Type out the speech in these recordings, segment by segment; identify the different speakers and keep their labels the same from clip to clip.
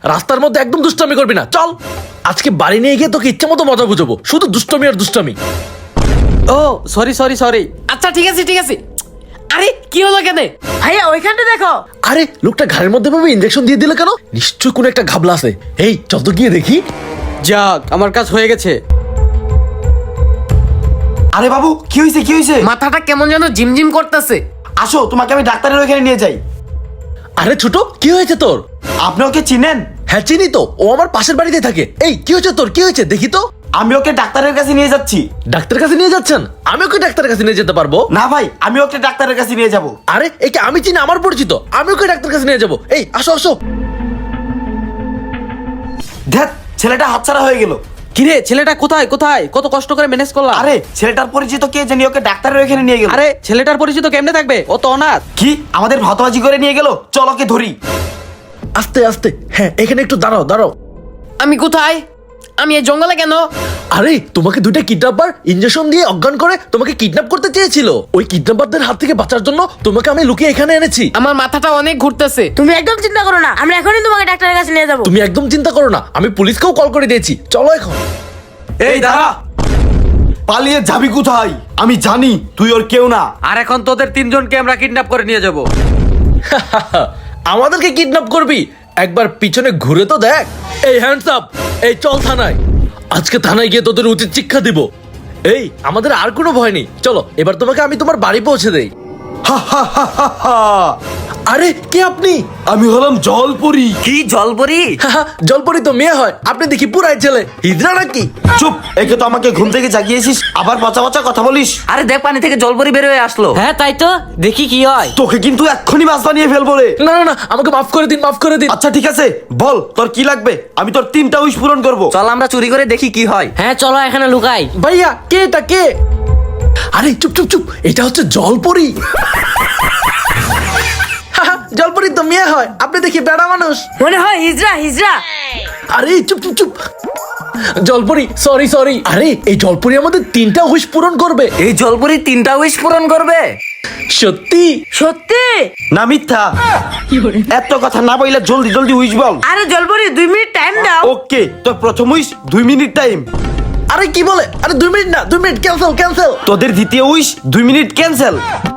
Speaker 1: রাস্তার মধ্যে একদম দুষ্টামি করবি না, চল। আজকে বাড়ি নিয়ে গিয়ে তোকে ইচ্ছা মতো মজা বুঝাবো, শুধু দুষ্টামি আর দুষ্টামি।
Speaker 2: Oh sorry sorry sorry.
Speaker 3: আচ্ছা ঠিক আছে ঠিক আছে। আরে কি হলো কেন?
Speaker 4: ভাইয়া ওইখানটা দেখো।
Speaker 1: আরে লোকটা ঘাড়ের মধ্যে ভাবে ইনজেকশন দিয়ে দিল কেন? নিশ্চয় কোনো একটা ঘাবলা আছে। এই চল তো গিয়ে দেখি।
Speaker 2: যাক আমার কাজ হয়ে গেছে।
Speaker 5: আরে বাবু কি হয়েছে কি হয়েছে?
Speaker 3: মাথাটা কেমন যেন ঝিমঝিম করতেছে।
Speaker 5: আসো তোমাকে আমি ডাক্তারের ওখানে নিয়ে যাই।
Speaker 1: আরে ছোট, কি হয়েছে তোর?
Speaker 5: আপনি ওকে চিনেন?
Speaker 1: হ্যাঁ চিনি তো, ও আমার পাশের বাড়িতে থাকে। এই কি হয়েছে তোর, কি হয়েছে দেখি তো।
Speaker 5: আমি ওকে ডাক্তারের কাছে নিয়ে যাচ্ছি।
Speaker 1: ডাক্তারের কাছে নিয়ে যাচ্ছেন? আমি ওকে ডাক্তারের কাছে নিয়ে যেতে পারবো
Speaker 5: না ভাই, আমি ওকে ডাক্তারের কাছে নিয়ে যাব।
Speaker 1: আরে একে আমি চিনি, আমার পরিচিত, আমি ওকে ডাক্তারের কাছে নিয়ে যাবো। এই আসো আসো।
Speaker 5: ধ্যাৎ, ছেলেটা হাতছাড়া হয়ে গেল।
Speaker 2: কিরে ছেলেটা কোথায় কোথায়? কত কষ্ট করে ম্যানেজ করলাম।
Speaker 5: আরে ছেলেটার পরিচিত কে জানি ওকে ডাক্তারের ওখানে নিয়ে গেল।
Speaker 2: আরে ছেলেটার পরিচিত কেমনে থাকবে? ও তো অনাথ।
Speaker 5: কি আমাদের ভাতবাজি করে নিয়ে গেল? চল ওকে ধরি।
Speaker 1: আস্তে আস্তে, হ্যাঁ এখানে একটু দাঁড়াও দাঁড়াও।
Speaker 3: আমি কোথায়? আমি এই জঙ্গলে কেন?
Speaker 1: আরে তোমাকে দুইটা কিডন্যাপার ইনজেকশন দিয়ে অজ্ঞান করে তোমাকে কিডন্যাপ করতে চেয়েছিল। ওই কিডন্যাপারদের হাত থেকে বাঁচার জন্য তোমাকে আমি লুকিয়ে এখানে এনেছি।
Speaker 3: আমার মাথাটা অনেক ঘুরতেছে।
Speaker 4: তুমি একদম চিন্তা করো না, আমরা এখনই তোমাকে ডাক্তারের কাছে নিয়ে যাবো।
Speaker 1: তুমি একদম চিন্তা করো না, আমি পুলিশকেও কল করে দিয়েছি। চলো এখন।
Speaker 5: এই দাঁড়া, পালিয়ে যাবি কোথায়? আমি জানি তুই ওর কেউ না।
Speaker 2: আর এখন তোদের তিনজনকে আমরা কিডন্যাপ করে নিয়ে যাব।
Speaker 1: আমাদেরকে কিডন্যাপ করবি? একবার পিছনে ঘুরে তো দেখ। এই হ্যান্ডস আপ, এই চল থানায়। আজকে থানায় গিয়ে তোদের উচিত শিক্ষা দিব। এই আমাদের আর কোনো ভয় নেই, চলো এবার তোমাকে আমি তোমার বাড়ি পৌঁছে দেই। আরে কে আপনি?
Speaker 5: আমি হলাম জলপরি।
Speaker 2: কি জলপরি?
Speaker 1: জলপরি তো মেয়ে হয়, আপনি দেখি পুরাই ছেলে। হিজড়া নাকি?
Speaker 5: চুপ, একে তো আমাকে ঘুম থেকে জাগিয়েছিস, আবার পচা পচা কথা বলিস।
Speaker 2: আরে দেখ পানি থেকে জলপরি বের হয়ে আসলো। হ্যাঁ তাই তো, দেখি কি হয়।
Speaker 5: তোকে কিন্তু এক্ষুনি মাছ বানিয়ে ফেলবো রে।
Speaker 1: না না না, আমাকে মাফ করে দিন, মাফ করে দিন।
Speaker 5: আচ্ছা ঠিক আছে, বল তোর কি লাগবে, আমি তোর 3টা উইশ পূরণ করবো।
Speaker 2: চল আমরা চুরি করে দেখি কি হয়।
Speaker 4: হ্যাঁ চলো এখানে লুকাই।
Speaker 1: ভাইয়া কে এটা, কে? আরে চুপ চুপ চুপ, এটা হচ্ছে জলপরি। জলপরি তো মেয়ে হয়, আপনি দেখি বেড়া মানুষ।
Speaker 4: মনে হয় হিজড়া হিজড়া।
Speaker 1: আরে চুপ চুপ চুপ। জলপরি সরি সরি। আরে এই জলপরি আমাদের 3টা উইশ পূরণ করবে।
Speaker 2: এই জলপরি 3টা উইশ পূরণ করবে?
Speaker 1: সত্যি?
Speaker 4: সত্যি?
Speaker 5: না মিথ্যা? এত কথা না বইলে জলদি জলদি উইশ বল।
Speaker 4: আরে জলপরি 2 মিনিট টাইম দাও।
Speaker 5: ওকে, তোর প্রথম উইশ 2 মিনিট টাইম।
Speaker 1: আরে কি বলে? আরে 2 মিনিট না, 2 মিনিট ক্যান্সেল ক্যান্সেল।
Speaker 5: তোদের দ্বিতীয় উইশ 2 মিনিট ক্যান্সেল।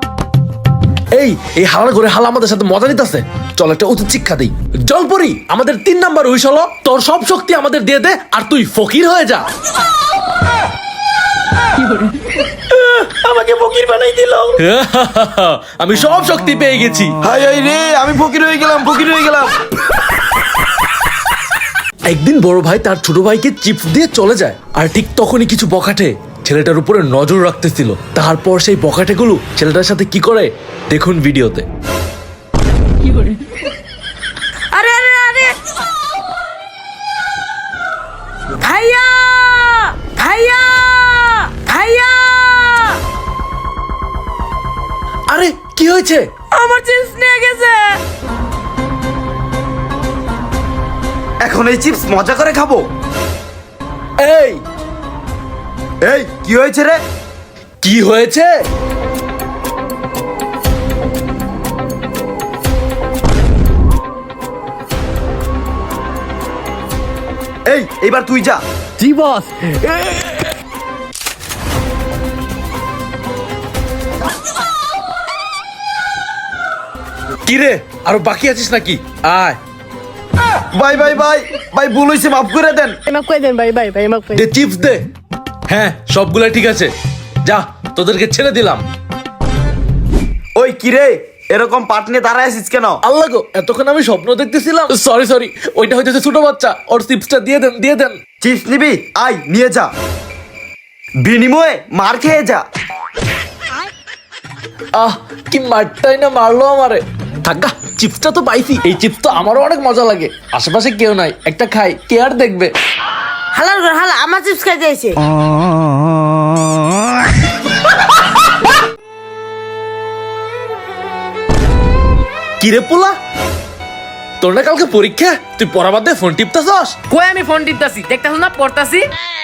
Speaker 1: এই হালার ঘরে হালা আমাদের সাথে মজা নিতেছে। চল একটা উচিত শিক্ষা দিই। জলপরি আমাদের 3 নাম্বার উইশ হলো তোর সব শক্তি আমাদের দিয়ে দে আর তুই ফকির হয়ে যা।
Speaker 5: আমাকে ফকির বানাই দিল।
Speaker 1: আমি সব শক্তি পেয়ে গেছি।
Speaker 5: হাই হাই রে, আমি ফকির হয়ে গেলাম, ফকির হয়ে গেলাম।
Speaker 1: একদিন বড় ভাই তার ছোট ভাইকে চিপস দিয়ে চলে যায়, আর ঠিক তখনই কিছু বখাটে ছেলেটার উপরে নজর রাখতেছিল। তারপর সেই বখাটেগুলো ছেলেটার সাথে কি করে দেখুন ভিডিওতে।
Speaker 4: আরে আরে আরে ভাইয়া ভাইয়া ভাইয়া।
Speaker 1: আরে কি হয়েছে?
Speaker 4: আমার চিপস নিয়ে গেছে।
Speaker 5: এখন এই চিপস মজা করে খাবো।
Speaker 1: এই
Speaker 5: এই কি হয়েছে রে?
Speaker 1: কি হয়েছে?
Speaker 5: এই এবার তুই যা।
Speaker 2: জি বস।
Speaker 1: কি রে, আরো বাকি আছিস নাকি? আয়
Speaker 5: বাই বাই বাই ভাই, ভুল হয়েছে, মাফ করে দেন।
Speaker 4: মাফ করে দেন ভাই ভাই ভাই মাফ করে
Speaker 1: দে চিপস দে। হ্যাঁ সবগুলা ঠিক আছে, যা তোদেরকে ছেড়ে দিলাম।
Speaker 5: ওই কি রে, এরকম পাট নিয়ে দাঁড়ায় আছিস কেন?
Speaker 1: আল্লাহ গো, এতক্ষণ আমি স্বপ্ন দেখতেছিলাম। সরি সরি, ওইটা হইতেছে ছোট বাচ্চা। ওর চিপসটা দিয়ে দেন, দিয়ে দেন।
Speaker 5: চিপস নিবি? আয় নিয়ে যা, বিনিময়ে মার খেয়ে যা।
Speaker 1: আহ কি মারটাই না মারলো আমারে। থাকা, চিপসটা তো পাইছি। এই চিপস তো আমারও অনেক মজা লাগে। আশেপাশে কেউ নাই, একটা খাই, কে আর দেখবে।
Speaker 4: হালার ঘর হালা আমার চিপস খাইতে এসে।
Speaker 1: কিরে পোলা, তোর না কালকে পরীক্ষা, তুই পড়া বাদ দিয়ে ফোন টিপতাছস?
Speaker 3: কই আমি ফোন টিপতাছি, দেখতাছ না পড়তাছি।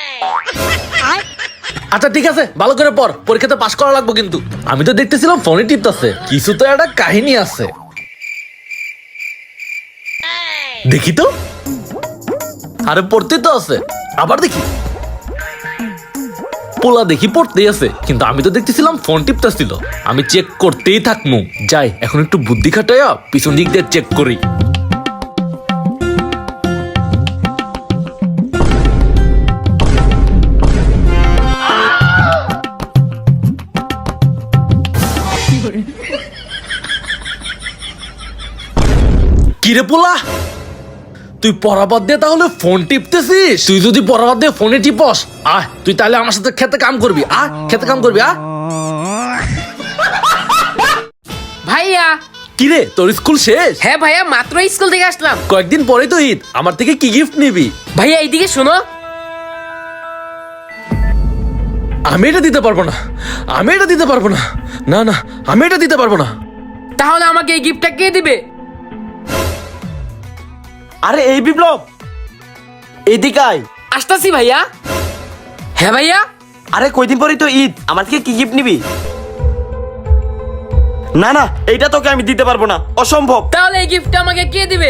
Speaker 1: আচ্ছা ঠিক আছে, ভালো করে পড়, পরীক্ষাতে পাশ করা লাগবে কিন্তু। আমি তো দেখতেছিলাম ফোনে টিপতাছে, কিছু তো একটা কাহিনী আছে। দেখি তো। আরে পড়তে তো আছে। আবার দেখি পোলা দেখি পড়তেই আছে, কিন্তু আমি তো দেখতেছিলাম ফোন টিপতেছিল। আমি চেক করতেই থাকমু। যাই এখন একটু বুদ্ধি খাটাইয়া পিছন দিক দিয়ে চেক করি। কিরে পোলা, তুই পড়াবাদ দিয়ে তাহলে ফোন টিপতেছিস? তুই যদি পড়াবাদ দিয়ে ফোনে টিপস, আহ তুই তাহলে আমার সাথে খেতে কাম করবি। খেতে কাম করবি।
Speaker 3: ভাইয়া।
Speaker 1: কিরে তোর স্কুল শেষ?
Speaker 3: হ্যাঁ ভাইয়া, মাত্র স্কুল থেকে আসলাম।
Speaker 1: কয়েকদিন পরেই তো ঈদ, আমার থেকে কি গিফট নিবি?
Speaker 3: ভাইয়া এইদিকে শোনো।
Speaker 1: আমি এটা দিতে পারবো না, আমি এটা দিতে পারবো না। না না, আমি এটা দিতে পারবো না।
Speaker 3: তাহলে আমাকে এই গিফটটা কে দিবে?
Speaker 5: আরে এই বিপ্লব, এদিকে আয়।
Speaker 3: আসতাছি ভাইয়া। হ্যাঁ ভাইয়া।
Speaker 5: আরে কয়দিন পরেই তো ঈদ, আমার থেকে কি গিফট নিবি? না না, এইটা তোকে আমি দিতে পারবো না, অসম্ভব।
Speaker 3: তাহলে এই গিফটটা আমাকে কে দিবে?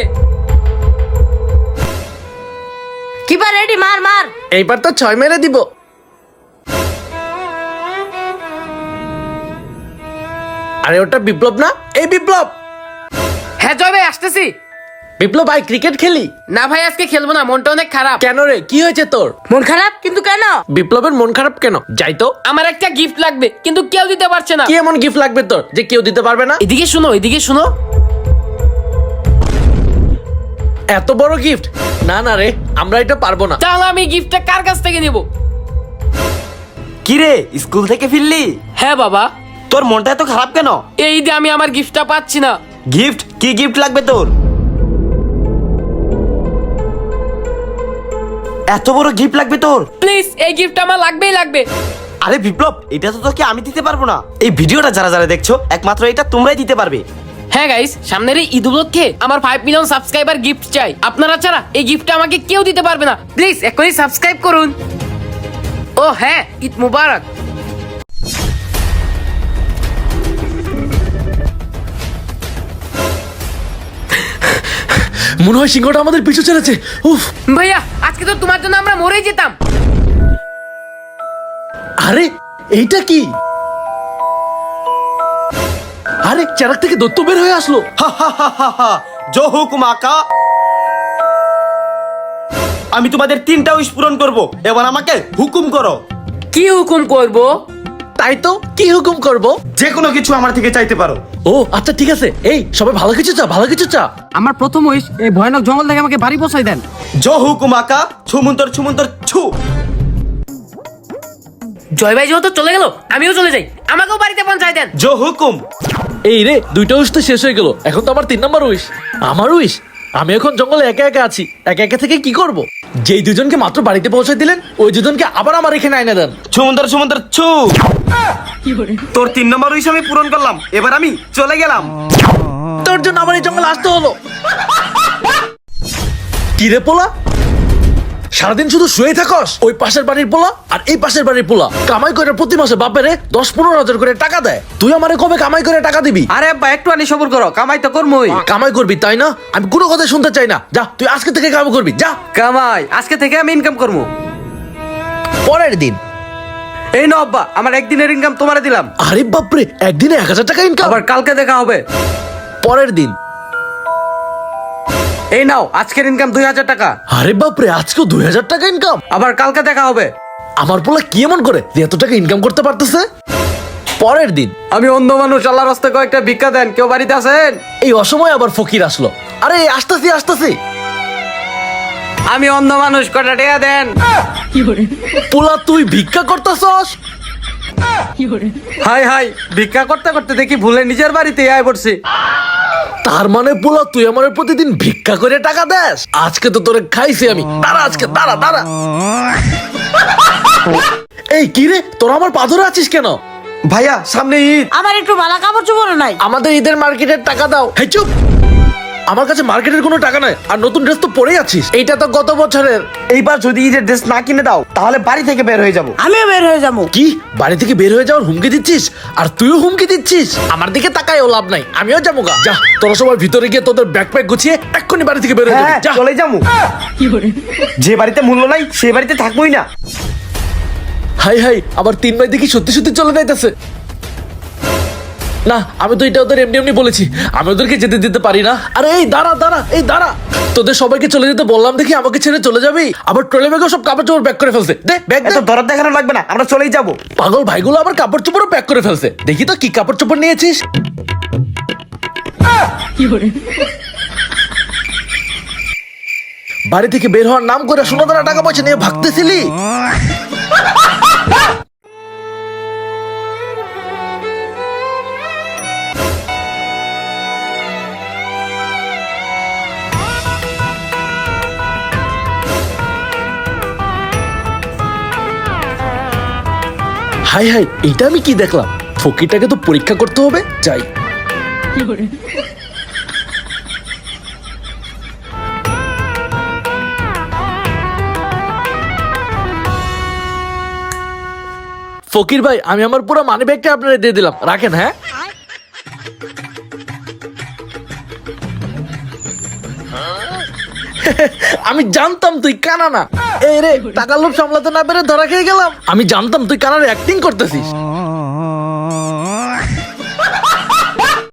Speaker 4: কিপার রেডি, মার মার।
Speaker 1: এইবার তো 6 মেরে দিব। আরে ওটা বিপ্লব না? এই বিপ্লব।
Speaker 3: হ্যাঁ জয় ভাই, আসতেছি।
Speaker 1: বিপ্লব ভাই, ক্রিকেট খেলি?
Speaker 3: না ভাই, আজকে খেলবো না, মনটা অনেক খারাপ।
Speaker 1: কেন রে, কি হয়েছে তোর?
Speaker 4: মন খারাপ কিন্তু কেন?
Speaker 1: বিপ্লবের মন খারাপ কেন? যাই তো।
Speaker 3: আমার একটা গিফট লাগবে, কিন্তু কেউ দিতে পারছে না।
Speaker 1: কি এমন গিফট লাগবে তোর যে কেউ দিতে পারবে না?
Speaker 3: এদিকে শুনো, এদিকে শুনো।
Speaker 1: এত বড় গিফট? না না রে, আমরা এটা পারবো না।
Speaker 3: তাহলে আমি গিফটটা কার কাছ থেকে নিব?
Speaker 5: কি রে, স্কুল থেকে ফিরলি?
Speaker 3: হ্যাঁ বাবা।
Speaker 5: তোর মনটা এত খারাপ কেন?
Speaker 3: এই ঈদে আমি আমার গিফটটা পাচ্ছি না।
Speaker 5: গিফট? কি গিফট লাগবে তোর? এত বড় গিফট লাগবে তোর?
Speaker 3: প্লিজ, এই গিফটটা আমার লাগবেই লাগবে।
Speaker 5: আরে বিপ্লব, এটা তো তোকে আমি দিতে পারবো না। এই ভিডিওটা যারা যারা দেখছো, একমাত্র এটা তোমরাই দিতে পারবে।
Speaker 3: হ্যাঁ গাইস, সামনের এই ঈদ উপলক্ষে আমার 5 মিলিয়ন সাবস্ক্রাইবার গিফট চাই। আপনারা ছাড়া এই গিফটটা আমাকে কেউ দিতে পারবে না। প্লিজ এখনই সাবস্ক্রাইব করুন। ও হ্যাঁ, ঈদ মুবারক।
Speaker 1: মনে হয় সিংহটা আমাদের পিছু ছেড়েছে। উফ।
Speaker 3: ভাইয়া, আজকে তো তোমার জন্য আমরা মরেই যেতাম।
Speaker 1: আরে এইটা কি? আরে চারাক থেকে দত্ত বের হয়ে আসলো।
Speaker 5: জো হুকুম আকা। আমি তোমাদের 3টা উইশ পূরণ করব, এবার আমাকে হুকুম করো।
Speaker 3: কি হুকুম করব?
Speaker 1: তাই তো, কি হুকুম করব?
Speaker 5: যে কোনো কিছু আমার থেকে চাইতে পারো।
Speaker 1: ও আচ্ছা ঠিক আছে। এই সবাই ভালো কিছু চা, ভালো কিছু চা।
Speaker 2: আমার প্রথম উইশ, এই ভয়ানক জঙ্গল থেকে আমাকে বাড়ি পৌঁছাই দেন।
Speaker 5: জো হুকুম আকা। ছুমন্তর ছুমন্তর ছু।
Speaker 3: জয় ভাই যেহেতু চলে গেল, আমিও চলে যাই। আমাকেও বাড়িতে পৌঁছাই দেন।
Speaker 5: জো হুকুম।
Speaker 1: এই রে, 2টা উইশ তো শেষ হয়ে গেল, এখন তো আমার 3 নম্বর উইশ। আমার উইশ, আমি এখন জঙ্গলে একা একা আছি। একা একা থেকে কি করব? যেই দুজনকে মাত্র বাড়িতে পৌঁছে দিলেন, ওই দুজনকে আবার আমার এখানে আইনা দেন।
Speaker 5: ছুমন্তর ছুমন্তর ছু। তোর 3 নম্বর উইশ আমি পূরণ করলাম, এবার আমি চলে গেলাম।
Speaker 1: তোর জন্য আমার এই জঙ্গলে আসতে হলো। কি রে পোলা, সারাদিন শুধু শুয়েই থাকস? ওই পাশের বাড়ির পোলা আর এই পাশের বাড়ির পোলা কামাই করে প্রতি মাসে বাপেরে 10-15 হাজার করে টাকা দেয়। তুই আমারে কবে কামাই করে টাকা দিবি?
Speaker 2: আরে আব্বা, একটু আনি সবর করো, কামাই তো করমই।
Speaker 1: কামাই করবি তাই না? আমি কোনো কথা শুনতে চাই না। যা, তুই আজকে থেকে কামাই করবি, যা।
Speaker 2: কামাই আজকে থেকে আমি ইনকাম করবো।
Speaker 1: পরের দিন।
Speaker 2: এই নাও আব্বা, আমার একদিনের ইনকাম তোমারে দিলাম।
Speaker 1: আরে বাপরে, একদিনে 1000 টাকা ইনকাম?
Speaker 2: আবার কালকে দেখা হবে।
Speaker 1: পরের দিন।
Speaker 2: এই নাও, আজকের ইনকাম 2000 টাকা।
Speaker 1: আরে বাপরে, আজকেও 2000 টাকা ইনকাম?
Speaker 2: আবার কালকে দেখা হবে।
Speaker 1: আমার পোলা কি এমন করে যে এত টাকা ইনকাম করতে পারতেছে? পরের দিন।
Speaker 2: আমি অন্ধ মানুষ, আল্লাহর রাস্তায় কয়েকটা ভিক্ষা দেন, কেউ বাড়িতে আছেন?
Speaker 1: এই অসময়ে আবার ফকির আসলো। আরে আসতেছি আসতেছি।
Speaker 2: আমি অন্ধ মানুষ, কয়টা টাকা দেন।
Speaker 1: পোলা তুই ভিক্ষা করতেছস?
Speaker 2: হাই হাই, ভিক্ষা করতে করতে দেখি ভুলে নিজের বাড়িতে আয় পড়ছি।
Speaker 1: তার মানে পোলা তুই আমার প্রতিদিন ভিক্ষা করে টাকা দেস? আজকে তো তোরে খাইছি আমি। দাঁড়া আজকে, দাঁড়া দাঁড়া। এই কি রে, তোরা আমার পা ধরে আছিস কেন?
Speaker 5: ভাইয়া, সামনে ঈদ।
Speaker 4: আমার একটু ভালো কাপড় চোপড় নাই।
Speaker 1: আমাদের ঈদের মার্কেটের টাকা দাও। হেই চুপ, আমার কাছে মার্কেটের কোনো টাকা নাই। আর নতুন ড্রেস তো পরেই আছিস, এইটা তো গত বছরের।
Speaker 5: এইবার যদি ঈদের ড্রেস না কিনে দাও,
Speaker 6: তাহলে বাড়ি থেকে বের হয়ে যাব।
Speaker 4: আমিও বের হয়ে যাবো।
Speaker 1: কি বাড়ি থেকে বের হয়ে যাওয়ার হুমকি দিচ্ছিস? আর তুইও হুমকি দিচ্ছিস? আমার দিকে তাকায়ও লাভ নাই, আমিও যাবো গা। যা তোরা সবার ভিতরে গিয়ে তোদের ব্যাকপ্যাক গুছিয়ে এক্ষুনি বাড়ি থেকে বের হয়ে যাবি।
Speaker 6: হ্যাঁ
Speaker 1: যা।
Speaker 6: চলে যাবো। যে বাড়িতে মূল্য নাই সে বাড়িতে থাকবোই না।
Speaker 1: হাই হাই, আবার 3 ভাই দেখি সত্যি সত্যি চলে যাইতেছে। না, আমি তো এটা ওদের এমনি এমনি বলেছি, আমি ওদেরকে যেতে দিতে পারি না। আরে এই দাঁড়া দাঁড়া, এই দাঁড়া, তোদের সবাইকে চলে যেতে বললাম দেখি আমাকে ছেড়ে চলে যাবি? আবার ট্রলি ব্যাগও সব কাপড় চোপড় প্যাক করে ফেলছে। দে ব্যাগ দে।
Speaker 6: এত দরদ দেখানো লাগবে না, আমরা চলেই যাব।
Speaker 1: পাগল ভাইগুলো আবার কাপড় চোপড়ও প্যাক করে ফেলছে। দেখি তো কি কাপড় চোপড় নিয়েছিস। বাড়ি থেকে বের হওয়ার নাম করে সোনা দানা টাকা পয়সা নিয়ে ভাগতেছিলি। হাই হাই, এটা আমি কি দেখলাম? ফকিরটাকে তো পরীক্ষা করতে হবে, যাই। ফকির ভাই, আমি আমার পুরো মানি ব্যাগটা আপনারা দিয়ে দিলাম, রাখেন। হ্যাঁ, আমি জানতাম তুই কানা না। এই রে, টাকার লোভ সামলাতে না পেরে ধরা খেয়ে গেলাম। আমি জানতাম তুই কানার অ্যাক্টিং করতেছিস।